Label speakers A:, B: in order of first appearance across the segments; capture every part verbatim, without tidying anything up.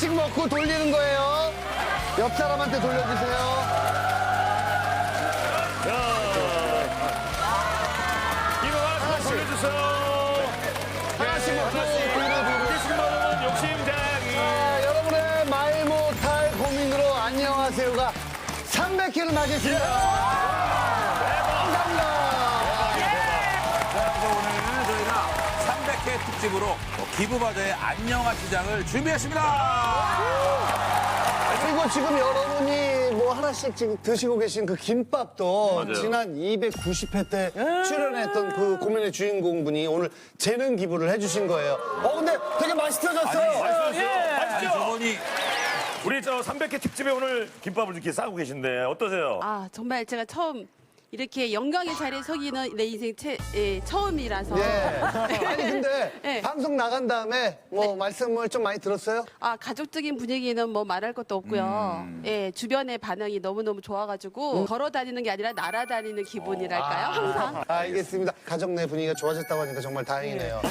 A: 하나씩 먹고 돌리는 거예요. 옆 사람한테 돌려주세요.
B: 이거 하나씩 돌려주세요.
A: 하나씩 먹고 돌려주고.
B: 계신 분은 욕심장이.
A: 자, 여러분의 말 못할 고민으로 안녕하세요가 삼백 회를 맞이했습니다. 감사합니다.
C: 그래서 오늘 저희가 삼백 회 특집으로 기부바자의 안녕하시장을 준비했습니다.
A: 그리고 지금 여러분이 뭐 하나씩 지금 드시고 계신 그 김밥도
B: 맞아요.
A: 지난 이백구십 회 때 출연했던 그 고민의 주인공분이 오늘 재능 기부를 해주신 거예요. 어, 근데 되게 맛있어졌어요.
C: 아니, 저분이
B: 우리 저 삼백 회 특집에 오늘 김밥을 이렇게 싸고 계신데 어떠세요?
D: 아 정말 제가 처음 이렇게 영광의 자리에 서기는 내 인생 채, 예, 처음이라서
A: 예. 아니, 근데
D: 네.
A: 방송 나간 다음에 뭐 말씀을 좀 많이 들었어요?
D: 아 가족적인 분위기는 뭐 말할 것도 없고요. 예, 주변의 반응이 너무너무 좋아가지고 걸어 다니는 게 아니라 날아다니는 기분이랄까요? 항상.
A: 알겠습니다. 가족 내 분위기가 좋아졌다고 하니까 정말 다행이네요.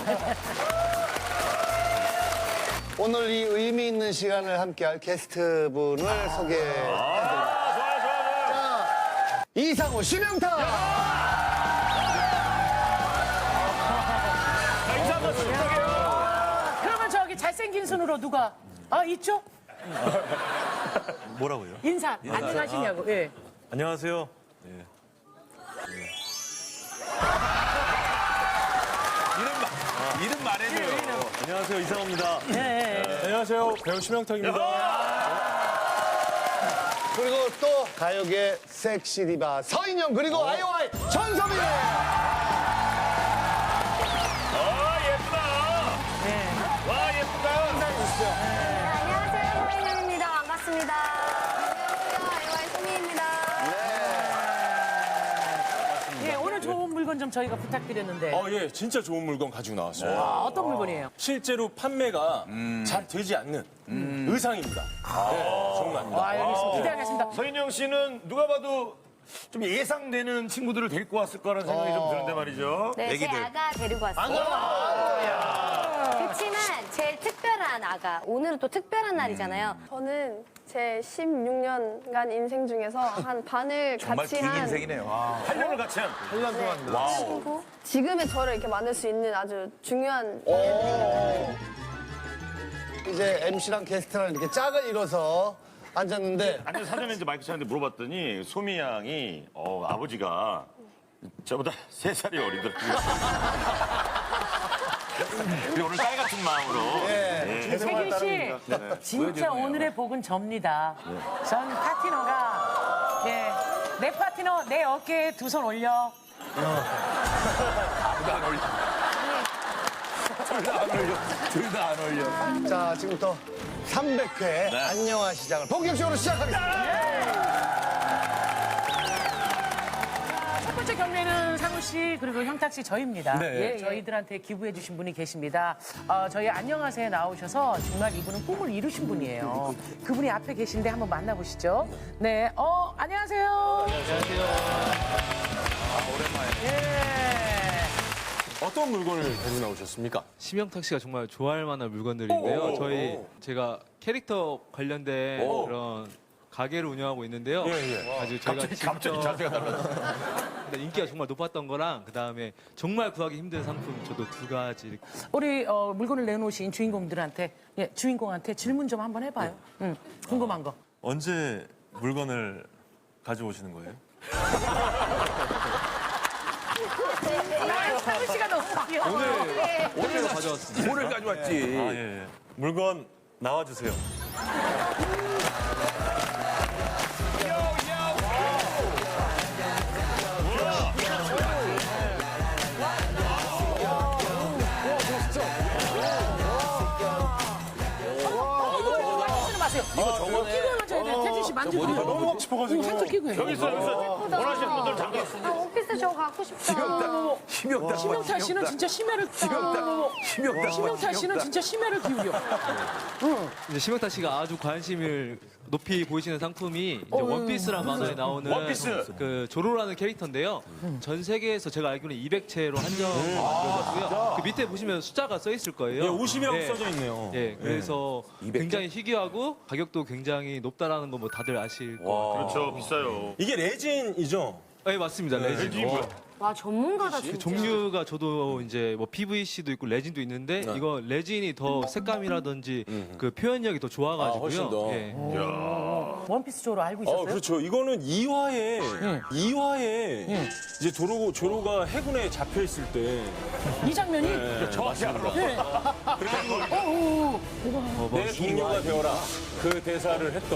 A: 오늘 이 의미 있는 시간을 함께할 게스트분을 소개해드립니다.
B: 아, 좋아요, 좋아요, 좋아요.
A: 이상호, 심영탁!
B: 자, 인사 한번 부탁해요.
E: 그러면 저기 잘생긴 손으로 누가 아 있죠?
F: 뭐라고요?
E: 인사 안녕하시냐고. 예.
F: 안녕하세요.
C: 이름, 말- 이름 말해줘요.
F: 안녕하세요. 이상호입니다.
E: 예, 예.
F: 안녕하세요. 배우 심영탁입니다.
A: 그리고 또 가요계 섹시 디바 서인영 그리고 아이오아이 전소민!
B: 아, 예쁘다. 와, 예쁘다.
G: 안녕하세요, 서인영입니다. 반갑습니다. 안녕하세요, 아이와이 소미입니다.
E: 예, 오늘 좋은 물건 좀 저희가 부탁드렸는데
F: 어, 예. 진짜 좋은 물건 가지고 나왔어요.
E: 아, 어떤 물건이에요?
F: 실제로 판매가 잘 되지 않는 의상입니다. 네, 정말입니다.
E: 아, 알겠습니다. 기대하겠습니다.
B: 서인영 씨는 누가 봐도 좀 예상되는 친구들을 데리고 왔을 거라는 생각이 좀 드는데 말이죠.
G: 네, 제
C: 애기들.
G: 아가 데리고 왔어요. 그렇지만 제일 특별한 아가. 오늘은 또 특별한 날이잖아요.
H: 저는 제 십육 년간 인생 중에서 한 반을
C: 정말
H: 같이
C: 긴
H: 한
C: 인생이네요.
B: 팔 년을 같이 한.
H: 친구. 지금의 저를 이렇게 만들 수 있는 아주 중요한
A: 이제 엠씨랑 게스트랑 이렇게 짝을 이뤄서 앉았는데
B: 아니, 사전에 이제 마이크 차는데 물어봤더니 소미 양이 어, 아버지가 저보다 세 살이 어리더라고요. 그리고 오늘 딸 같은 마음으로. 예.
E: 세균 씨, 진짜 오늘의 복은 접니다. 전 파트너가 예, 내 파트너 내 어깨에 두 손 올려.
C: 둘 다 안 올려. 둘 다 안 올려. 둘 다 안 올려.
A: 자 지금부터 삼백 회 안녕하시장을 본격적으로 시작하겠습니다.
E: 첫 번째 경매는 상우 씨 그리고 형탁 씨 저희입니다.
F: 네.
E: 예, 저희들한테 기부해 주신 분이 계십니다. 어, 저희 안녕하세요 나오셔서 정말 이분은 꿈을 이루신 분이에요. 그분이 앞에 계신데 한번 만나보시죠. 네, 어 안녕하세요. 안녕하세요. 아, 오랜만에. 예.
F: 어떤 물건을 가지고 나오셨습니까?
I: 심영탁 씨가 정말 좋아할 만한 물건들인데요. 저희 제가 캐릭터 관련된
F: 오.
I: 그런 가게를 운영하고 있는데요.
F: 예, 예.
I: 아주 제가
B: 갑자기,
I: 직접
B: 갑자기 자세가 달라졌어.
I: 근데 인기가 정말 높았던 거랑 그다음에 정말 구하기 힘든 상품 저도 두 가지 이렇게
E: 우리 어, 물건을 내놓으신 주인공들한테 예, 주인공한테 질문 좀 한번 해봐요. 응, 궁금한 거.
F: 언제 물건을 가져오시는 거예요?
E: 상우 씨가 너무 귀여워.
I: 오늘 오늘 가져왔습니다.
C: 오늘 가져왔지.
F: 아, 예, 예. 물건 나와주세요.
E: 쓰지 마세요. 이거 저거 끼고는 저희들 태진 씨 만지고
F: 너무 하고 싶어가지고.
E: 살짝 끼고 해요.
B: 여기 있어, 여기 있어. 원하시는 분들 잠깐.
H: 아, 원피스 저 갖고 싶다.
C: 심영탁.
E: 심영탁 씨는 진짜 심혈을
C: 심영탁. 심영탁.
E: 심영탁 씨는 진짜 심혈을 기울여.
I: 이제 심영탁 씨가 아주 관심을 높이 보이시는 상품이 이제 원피스라는 만화에 나오는
B: 원피스!
I: 그 조로라는 캐릭터인데요. 전 세계에서 제가 알기로는 이백 채로 한정되었고요. 그 밑에 보시면 숫자가 써 있을 거예요.
F: 예, 오십이라고
I: 네.
F: 써져 있네요.
I: 예, 그래서
C: 이백 개?
I: 굉장히 희귀하고 가격도 굉장히 높다라는 거 뭐 다들 아실 거예요.
B: 그렇죠, 비싸요.
F: 이게 레진이죠?
I: 네, 맞습니다. 레진.
B: 레진이 뭐야?
G: 와 전문가다
I: 그
G: 진짜.
I: 종류가 저도 이제 뭐 피브이씨도 있고 레진도 있는데 이거 레진이 더 색감이라든지 그 표현력이 더 좋아가지고요.
F: 아, 훨씬 더.
I: 예.
E: 원피스 조로 알고 있었어요?
F: 어, 그렇죠. 이거는 이 화에, 이 화에 이제 조로, 조로가 해군에 잡혀 있을 때.
E: 이 장면이
F: 네, 맞습니다.
E: 네.
F: 내 동료가 되어라. 그 대사를 했던.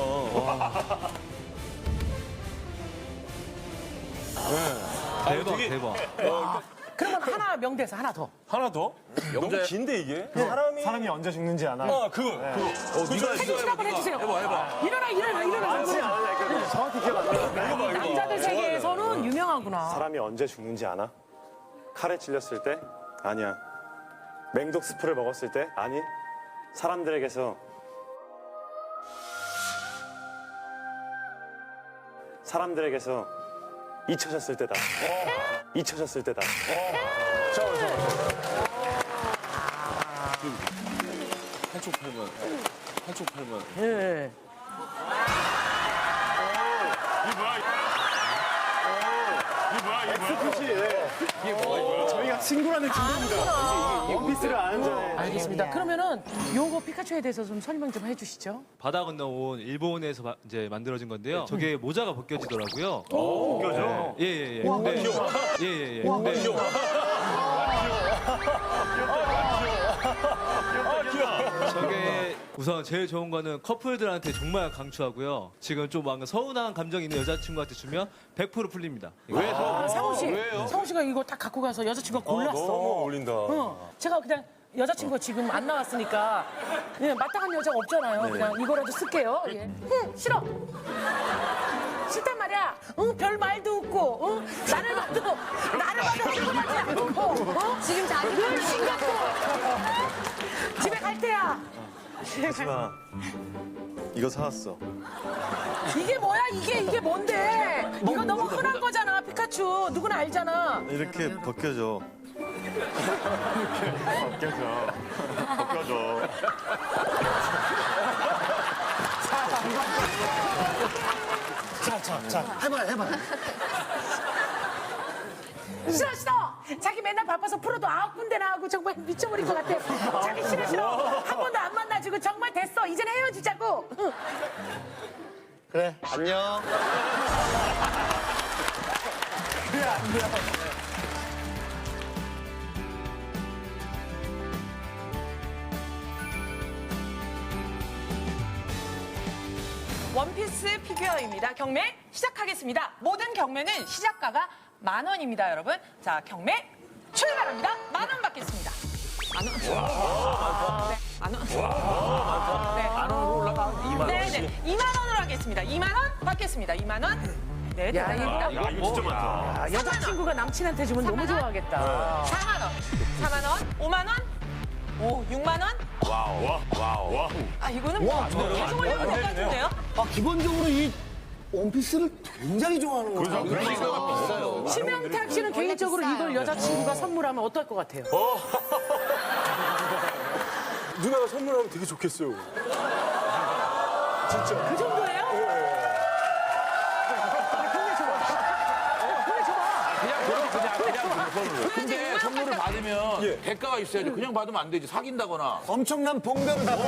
F: 네.
I: 대박,
F: 되게-
I: 대박.
E: 그러면 하나 명대사 하나 더.
F: 하나 더? 너무 긴데, 이게? 사람이.
A: 사람이 언제 죽는지 아나?
F: 아, 그거. 그거. 어, 네가
E: 태진 씨 한번 해주세요. 해봐, 해봐. 일어나, 일어나, 일어나.
A: 정확히 기억 안 나.
E: 남자들 세계에서는 유명하구나.
J: 사람이 언제 죽는지 아나? 칼에 찔렸을 때? 아니야. 맹독 스프를 먹었을 때? 아니. 사람들에게서 사람들에게서 잊혀졌을 때다. 잊혀졌을 때다.
C: 한쪽 팔면 한쪽 팔면
E: 예.
B: 이게 뭐야? 이게 뭐야?
J: 저희가 친구라는 친구입니다. 원피스를 아는 자네.
E: 알겠습니다. 그러면은 요거 피카츄에 대해서 좀 설명 좀 해주시죠.
I: 바다 건너온 일본에서 바- 이제 만들어진 건데요. 저게 모자가 벗겨지더라고요.
B: 웃겨져.
I: 예, 예, 예. 근데, 예, 예, 예. 근데 저게 우선 제일 좋은 거는 커플들한테 정말 강추하고요. 지금 좀 뭔가 서운한 감정 있는 여자친구한테 주면 백 퍼센트 풀립니다. 왜
E: 아, 상우 씨, 상우 씨가 이거 딱 갖고 가서 여자친구가 골랐어.
F: 너무 어울린다.
E: 응. 제가 그냥 여자친구가 지금 안 나왔으니까 예, 마땅한 여자가 없잖아요. 그냥 이거라도 쓸게요. 예. 응, 싫어. 싫단 말이야. 응, 별 말도 없고, 응, 나를 봐도 나를 봐도 흥분하지 않고, 어?
G: 지금 자기
E: 늘 신경 써. 집에 갈 때야.
J: 하지마. 이거 사왔어.
E: 이게 뭐야? 이게 이게 뭔데? 이거 너무 흔한 거잖아, 피카츄. 누구나 알잖아.
J: 이렇게 벗겨져.
B: 벗겨져. 벗겨져.
A: 자, 자, 자, 해봐요, 해봐요.
E: 싫어 싫어. 자기 맨날 바빠서 프로도 아홉 군데나 하고 정말 미쳐버릴 것 같아. 자기 싫어 싫어. 한 번도 안 만나주고 정말 됐어. 이제는 헤어지자고. 응.
A: 그래, 안녕.
K: 원피스 피규어입니다. 경매 시작하겠습니다. 모든 경매는 시작가가 만 원입니다, 여러분. 자, 경매 출발합니다. 만 원 받겠습니다. 만 원. 네, 만 원. 네.
C: 만 원으로 올라가 이만 원.
K: 네, 네. 이만 원으로 하겠습니다. 이만 원 받겠습니다. 이만 원. 네, 대단합니다.
B: 야, 이거 진짜 많다.
E: 아, 여자친구가 남친한테 주면 너무 좋아하겠다.
K: 사만 원. 사만 원. 오만 원. 오, 육만 원.
B: 와우, 와, 와우, 와.
K: 아, 이거는 뭐 계속 올려도 될 것 같은데요?
A: 아, 기본적으로 이 원피스를 굉장히 좋아하는 거죠.
C: 비싸요.
E: 심영탁 씨는 개인적으로 이걸 여자친구가 선물하면 어떨 것 같아요?
F: 누나가 선물하면 되게 좋겠어요.
E: 그 정도예요?
C: 그냥 그냥 그냥 그냥 그냥 근데 선물을 받으면
F: 예.
C: 대가가 있어야죠. 그냥 받으면 안 되지. 사귄다거나.
A: 엄청난 봉변을 받고.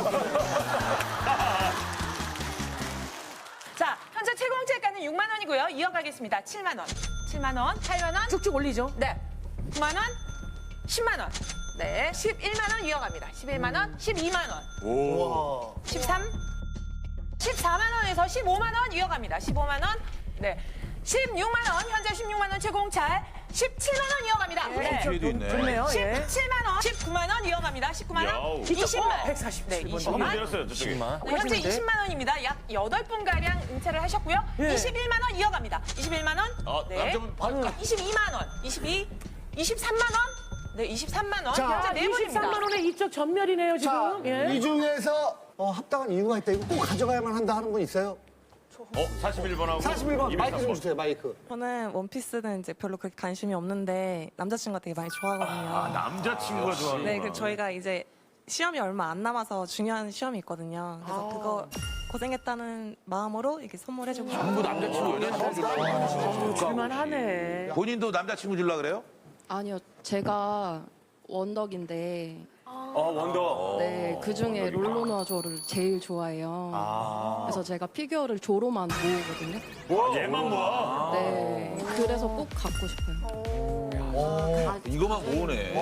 K: 자, 현재 최고 공채가는 육만 원이고요. 이어가겠습니다. 칠만 원. 칠만 원. 팔만 원.
E: 쭉쭉 올리죠.
K: 네. 구만 원. 십만 원. 네. 십일만 원 이어갑니다. 십일만 원. 십이만 원. 십삼. 십사만 원에서 십오만 원 이어갑니다. 십오만 원. 네. 십육만 원. 현재 십육만 원 최고 공찰. 십칠만 원 이어갑니다. 네.
C: 뒤에도 있네.
E: 좋네요. 예.
K: 십칠만 원. 십구만 원 이어갑니다. 십구만 원.
B: 야우.
K: 이십만.
E: 백사십칠
K: 네,
E: 번.
K: 이십만.
B: 조금 내렸어요, 저쪽에.
K: 네, 현재 이십만 원입니다. 약 여덟 분가량 은퇴를 하셨고요.
E: 예.
K: 이십일만 원 이어갑니다. 이십일만 원.
C: 어, 남자분 받을까?
K: 이십이만 원. 이십이. 이십삼만 원. 네, 이십삼만 원.
A: 자,
K: 현재 네 분입니다.
E: 이십삼만 원에 이쪽 전멸이네요, 지금.
A: 자,
E: 예.
A: 이 중에서 어, 합당한 이유가 있다. 이거 꼭 가져가야만 한다 하는 분 있어요?
B: 어, 사십일 번하고
A: 사십일 번 마이크 좀
B: 이백삼 번.
A: 주세요, 마이크.
L: 저는 원피스는 이제 별로 그렇게 관심이 없는데 남자친구가 되게 많이 좋아하거든요.
B: 아, 남자친구가 좋아하는
L: 네, 그 저희가 이제 시험이 얼마 안 남아서 중요한 시험이 있거든요. 그래서 그거 고생했다는 마음으로 이렇게 선물해주고
C: 전부 남자친구, 여자친구 주려고.
E: 줄만하네.
C: 본인도 남자친구 주려고 그래요?
L: 아니요, 제가 원덕인데
F: 어, 원더.
L: 네, 그 중에 롤로나 조를 제일 좋아해요. 그래서 제가 피규어를 조로만 모으거든요.
B: 와, 얘만 모아.
L: 네, 그래서 꼭 갖고 싶어요.
C: 이거만 모으네.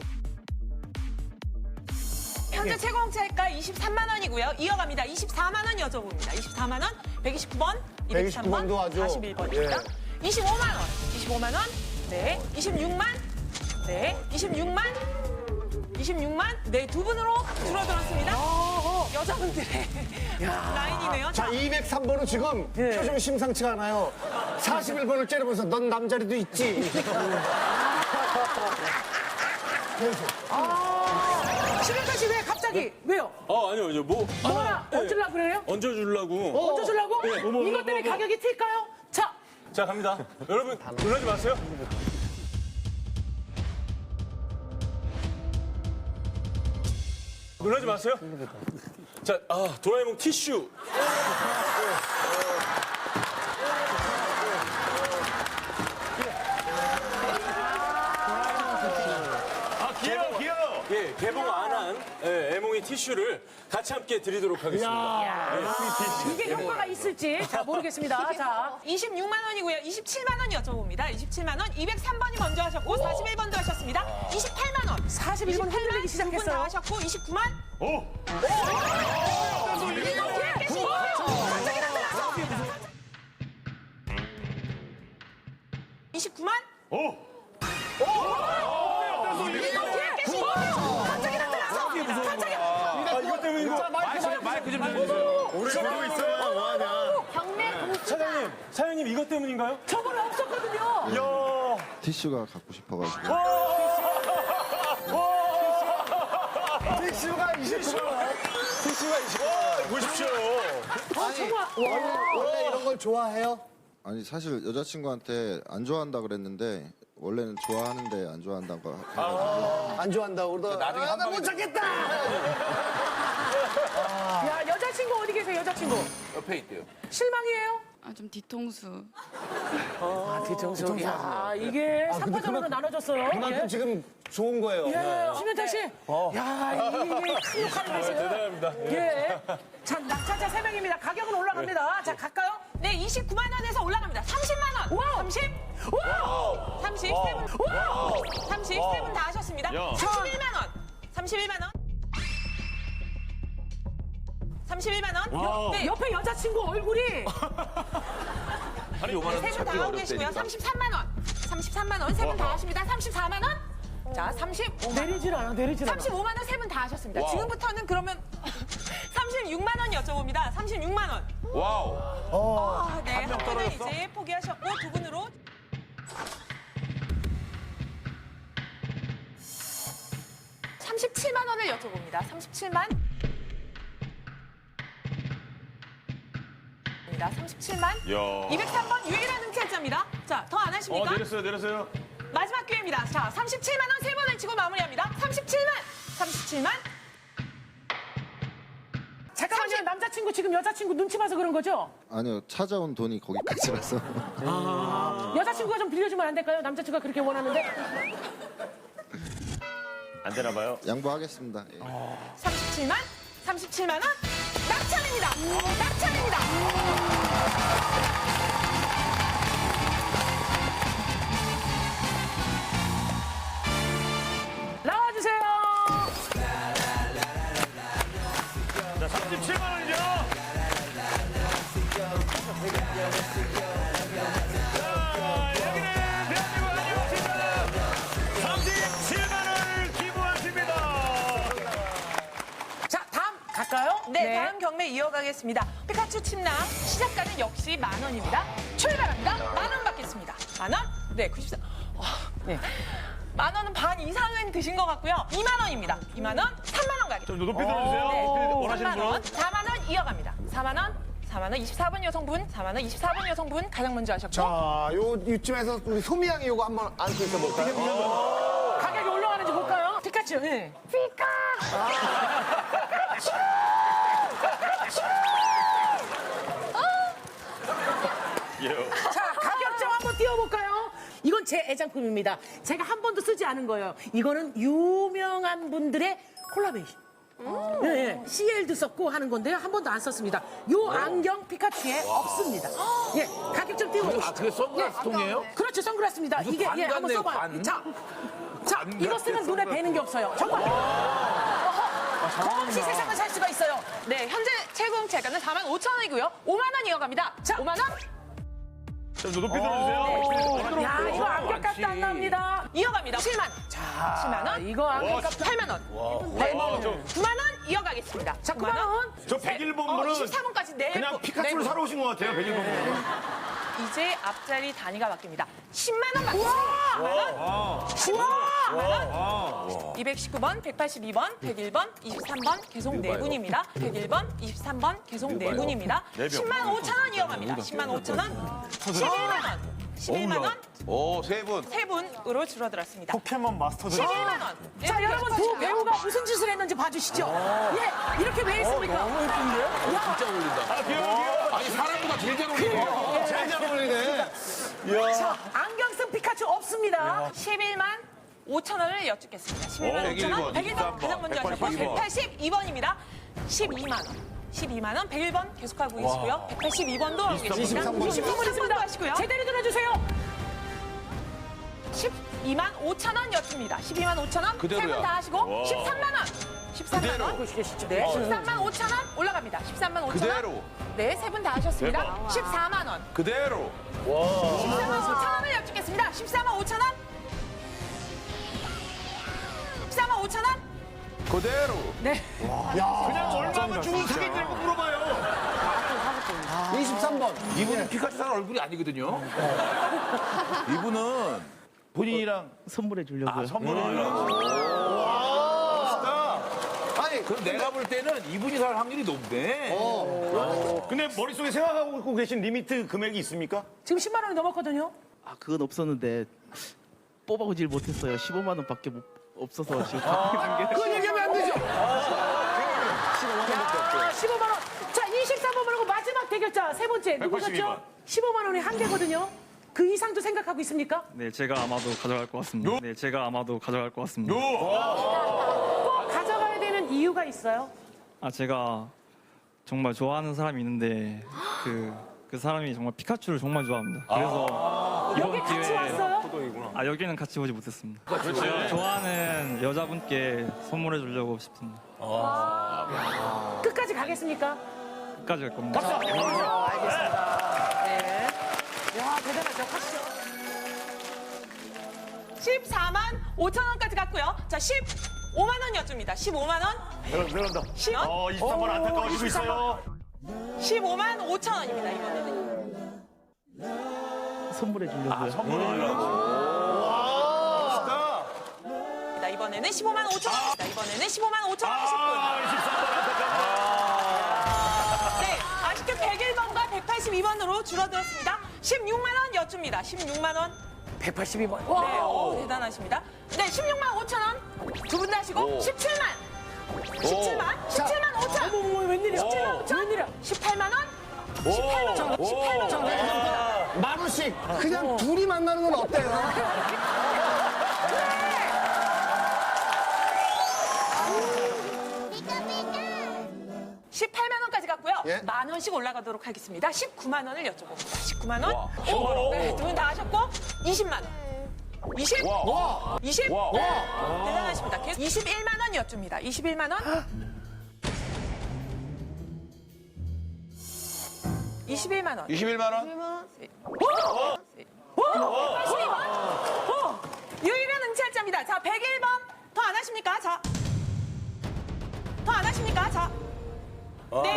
K: 현재 최고 공채가 이십삼만 원이고요. 이어갑니다. 이십사만 원 여쭤봅니다. 이십사만 원, 백이십구 번, 이백삼 번,
A: 백이십구 번도 아주,
K: 사십일 번입니다.
A: 예.
K: 이십오만 원, 이십오만 원, 네, 이십육만, 네, 이십육만, 이십육만, 네, 두 분으로 줄어들었습니다. 여자분들의 라인이네요.
A: 자, 이백삼 번은 지금
E: 예.
A: 표정이 심상치가 않아요. 사십일 번을 째려보면서 넌 남자리도 있지.
E: 신현철 씨 왜 갑자기? 왜요?
F: 아, 아니요, 이제 뭐.
E: 뭐라
F: 네.
E: 얹으려고 그래요?
F: 얹어주려고.
E: 얹어주려고?
F: 네, 뭐, 뭐,
E: 이것 때문에
F: 뭐, 뭐.
E: 가격이 튈까요? 자,
F: 자, 갑니다. 여러분, 놀라지 마세요. 놀라지 마세요. 자, 아, 도라에몽 티슈.
B: 아, 귀여워, 귀여워.
F: 예, 개봉 안 한 예, 애몽이 티슈를 같이 함께 드리도록 하겠습니다.
E: 이게 효과가 있을지 자 모르겠습니다. 자,
K: 이십육만 원이고요. 이십칠만 원 여쭤봅니다. 이십칠만 원, 이백삼 번이 먼저 하셨고, 사십일 번도 하셨습니다. 이십팔만 원.
E: 사십일 번 흔들리기
K: 두분 다
E: 시작했어요.
K: 하셨고, 이십구만.
B: 오!
K: 이십구만.
B: 오!
F: 아, 이것 때문에 이거.
C: 마이크 좀 주세요.
B: 우리가 보고 있어요. 뭐하냐.
H: 경매 공수다.
F: 사장님, 사장님 이것 때문인가요?
E: 저건 없었거든요.
F: 야.
M: 티슈가 갖고 싶어가지고.
A: 티슈가 이십구 번.
F: 티슈가 이십 번. 보십시오.
A: 아니, 원래, 원래 이런 걸 좋아해요?
M: 아니 사실 여자친구한테 안 좋아한다 그랬는데 원래는 좋아하는데 안 좋아한다고 해가지고
A: 안 좋아한다고 그러다
C: 나중에
A: 아,
C: 한
A: 나못
C: 방에
A: 찾겠다!
E: 야, 여자친구 어디 계세요, 여자친구?
C: 옆에 있대요.
E: 실망이에요?
L: 아, 좀 뒤통수.
E: 아, 뒤통수. 야, 이게 삼 버전으로 나눠졌어요.
A: 그만큼 지금 좋은 거예요.
E: 예, 신현철 씨. 야, 이게 큰 역할을 하세요.
F: 대단합니다.
E: 예. 자, 낙찰자 세 명입니다. 가격은 올라갑니다. 자, 갈까요?
K: 네, 이십구만 원에서 올라갑니다. 삼십만 원.
E: 와우.
K: 삼십.
E: 와우!
K: 삼십. 세 분.
E: 와우!
K: 삼십. 세 분 다 하셨습니다.
B: 야.
K: 삼십일만 원. 삼십일만 원. 삼십일만 원. 네.
E: 옆에 여자친구 얼굴이
C: 아니, 요만한
K: 세 분 다
C: 찾기
K: 하고 계시고요.
C: 어렵다니까.
K: 삼십삼만 원. 삼십삼만 원. 세 분 다 하십니다. 삼십사만 원. 자, 삼십오만 원.
E: 내리질 않아, 내리질 않아.
K: 삼십오만 원 세 분 다 하셨습니다.
C: 와우.
K: 지금부터는 그러면 삼십육만 원 여쭤봅니다. 삼십육만 원.
C: 와우.
K: 아, 네.
C: 한명
K: 한 분은
C: 떨어졌어?
K: 이제 포기하셨고 두 분으로 삼십칠만 원을 여쭤봅니다. 삼십칠만. 삼십칠만.
B: 야.
K: 이백삼 번 유일한 응찰자입니다. 자, 더 안
B: 어,
K: 하십니까?
B: 내렸어요, 내렸어요.
K: 마지막 기회입니다. 자, 삼십칠만 원 세 번을 치고 마무리합니다. 삼십칠만. 삼십칠만.
E: 잠깐만요, 남자친구 지금 여자친구 눈치 봐서 그런 거죠?
M: 아니요 찾아온 돈이 거기까지라서
E: 여자친구가 좀 빌려주면 안 될까요? 남자친구가 그렇게 원하는데.
B: 안 되나 봐요.
M: 양보하겠습니다. 예.
K: 삼십칠만. 삼십칠만 원. 낙찰입니다. 낙찰입니다.
E: 나와주세요.
B: 자, 삼십칠만 원이죠? 자, 여기는 대한민국 아니었습니다. 삼십칠만 원을 기부하십니다.
K: 자, 다음 갈까요? 네, 다음 경매 이어가겠습니다. 피카츄 침낭 시작가는 역시 만 원입니다. 출발합니다. 만 원 받겠습니다. 만 원? 네, 구십사. 어, 네. 만 원은 반 이상은 드신 것 같고요. 이만 원입니다. 이만 원, 삼만 원 가게.
B: 좀 높이 들어주세요. 높이 원하시는
K: 삼만 원,
B: 분은.
K: 사만 원 이어갑니다. 사만 원, 사만 원, 이십사 번 여성분, 사만 원, 이십사 번 여성분 가장 먼저 하셨고.
A: 자, 요 이쯤에서 우리 소미양이 요거 한번 안고 있어 볼까요?
E: 가격이 올라가는지 볼까요? 피카츄. 예.
H: 피카.
E: 자, 가격점 한번 띄워볼까요? 이건 제 애장품입니다. 제가 한 번도 쓰지 않은 거예요. 이거는 유명한 분들의 콜라베이션. 예, 예. 씨엘도 썼고 하는 건데요. 한 번도 안 썼습니다. 요 안경 피카츄에 없습니다. 예, 가격 좀 띄워보시죠.
C: 아, 그게 선글라스
E: 예.
C: 통이에요?
E: 그렇죠, 선글라스입니다.
C: 무슨
E: 이게
C: 관
E: 예, 한번
C: 같네요,
E: 써봐요.
C: 관.
E: 자, 자,
C: 관
E: 이거
C: 같아,
E: 쓰면 눈에 뵈는 게 없어요. 정말. 없이 세상을 살 수가 있어요.
K: 네, 현재 최고 제가는 사만 오천 원이고요. 오만 원 이어갑니다. 자, 오만 원.
B: 좀 높이 들어주세요.
E: 야, 이거 안경값도 안 납니다.
K: 이어갑니다. 칠만.
E: 자,
K: 칠만 원.
E: 이거 안경값도
K: 팔만 원. 네. 구만 원 이어가겠습니다.
E: 자, 구만 원.
B: 저 백일 번 분은
K: 이십사 번까지 네.
B: 그냥 피카츄를 사러 오신 것 같아요. 백일 번 분은.
K: 이제 앞자리 단위가 바뀝니다. 십만 원 받겠습니다. 십만 원. 십만 원. 이백십구 번, 백팔십이 번, 백일 번, 이십삼 번 계속 네 분입니다. 백일 번, 이십삼 번 계속 네 분입니다. 십만 오천 원 이어갑니다. 십만 오천 원. 십일만 원. 십일만 원.
C: 오, 세 분.
K: 세 분으로 줄어들었습니다.
A: 포켓몬 마스터들.
K: 십일만 원.
E: 자,
K: 이렇게
E: 여러분 두
K: 해주시고요.
E: 배우가 무슨 짓을 했는지 봐주시죠. 예, 이렇게 왜 했습니까?
C: 너무 예쁜데? 어, 진짜 어울린다.
B: 아, 귀여워, 귀여워.
C: 아니, 사람보다 제일 잘 어울리네.
A: 제일 잘 어울리네.
E: 자, 안경 쓴 피카츄 없습니다.
K: 십일만 오천 원을 여쭙겠습니다. 십일만 오천 원. 백일 번 가장 먼저 하셨고 백팔십이 번입니다. 십이만 원. 십이만 원. 백일 번 계속하고 계시고요. 백팔십이 번도 하고 계십니다.
A: 이십삼 번.
K: 이십삼 번도 하시고요.
E: 제대로 들어주세요.
K: 십이만 오천 원 여쭙니다. 십이만 오천 원. 세
C: 그대로야.
K: 분 다 하시고 십삼만 원. 십삼만 원.
E: 보시겠죠?
K: 네. 십삼만 오천 원 올라갑니다. 십삼만 오천 원.
C: 그대로.
K: 네, 세 분 다 하셨습니다. 십사만 원.
C: 그대로.
K: 십사만 오천 원을 여쭙겠습니다. 십사만 오천 원. 십사만 오천 원.
C: 그대로.
E: 네.
B: 그냥 얼마면 주고 사겠냐고 물어봐요.
A: 이십삼 번.
C: 이분은 피카츄 사는 얼굴이 아니거든요. 이분은 본인이랑
I: 선물해 주려고요.
C: 아, 선물을 하려고.
A: 아니,
C: 그럼 내가 볼 때는 이분이 살 확률이 높네.
B: 근데 머릿속에 생각하고 계신 리미트 금액이 있습니까?
E: 지금 십만 원이 넘었거든요.
I: 아, 그건 없었는데 뽑아오질 못했어요. 십오만 원밖에 못, 없어서 지금 갖고 있는 게.
A: 그건 얘기하면 안 되죠.
E: 야, 십오만 원. 자, 이십삼 번 말고 마지막 대결자 세 번째
B: 백팔십이
E: 누구셨죠?
B: 번.
E: 십오만 원이 한 개거든요. 그 이상도 생각하고 있습니까?
I: 네, 제가 아마도 가져갈 것 같습니다. 네, 제가 아마도 가져갈 것 같습니다.
E: 꼭 가져가야 되는 이유가 있어요.
I: 아, 제가 정말 좋아하는 사람이 있는데 그, 그 사람이 정말 피카츄를 정말 좋아합니다. 그래서
E: 여기
I: 이번
E: 같이
I: 기회에
E: 왔어요?
I: 아, 여기는 같이 오지 못했습니다. 제가 좋아하는 여자분께 선물해 주려고 싶습니다.
E: 끝까지 가겠습니까?
I: 끝까지 갈 겁니다.
E: 알겠습니다. 네. 야, 대단하죠. 가시죠.
K: 십사만 오천 원까지 갔고요. 자, 십오만 원 여쭙니다. 십오만 원.
B: 내려간다.
K: 십.
B: 어, 이십삼 번 안타까워지고 있어요.
K: 십오만 오천 원입니다. 이번에는.
I: 선물해 주려고요.
K: 자, 이번에는 십오만 오천 원. 자, 이번에는 십오만 오천 원 하실 분.
B: 아, 이십삼 번 안타까워.
K: 네, 아쉽게 백일 번과 백팔십이 번으로 줄어들었습니다. 십육만 원 여쭙니다. 십육만 원.
E: 백팔십이 번.
K: 네, 오, 대단하십니다. 네, 십육만 오천 원. 두 분 다 하시고 십칠만. 십칠만. 십칠만 오천.
E: 어머, 어머, 웬일이야?
K: 십칠만 오천.
E: 웬일이야?
K: 십팔만 원. 십팔만 원. 십팔만 원.
A: 만 원씩 그냥 둘이 만나는 건 어때요?
K: 십팔만 원까지 갔고요.
A: 예?
K: 만 원씩 올라가도록 하겠습니다. 십구만 원을 여쭤봅니다. 십구만 원. 오, 네, 두 분 다 하셨고 이십만 원. 이십? 이십? 대단하십니다. 계속 이십일만 원 여쭙니다. 이십일만 원. 이십일만 원.
C: 이십일만 원?
K: 백팔십이 번. 오, 유일한 응찰자입니다. 자, 백일 번. 더 안 하십니까? 자. 더 안 하십니까? 자. 네.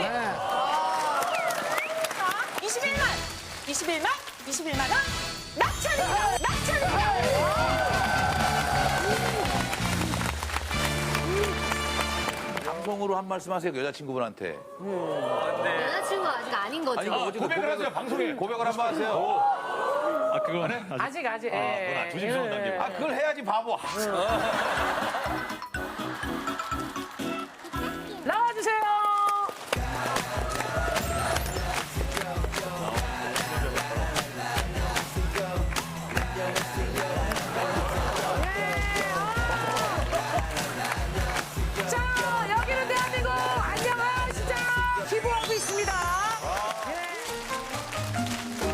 K: 자, 이십일만. 이십일만. 이십일만 원. 낙찰입니다. 낙찰입니다.
C: 진정으로 한 말씀 하세요, 여자친구분한테.
G: 여자친구 아직 아닌 거죠?
C: 아니, 뭐 어제 고백을 하세요, 방송에. 고백을 한번 하세요.
I: 아 그거
E: 아직 아직. 예.
B: 조심스러운 남자.
C: 아, 그걸 해야지, 바보.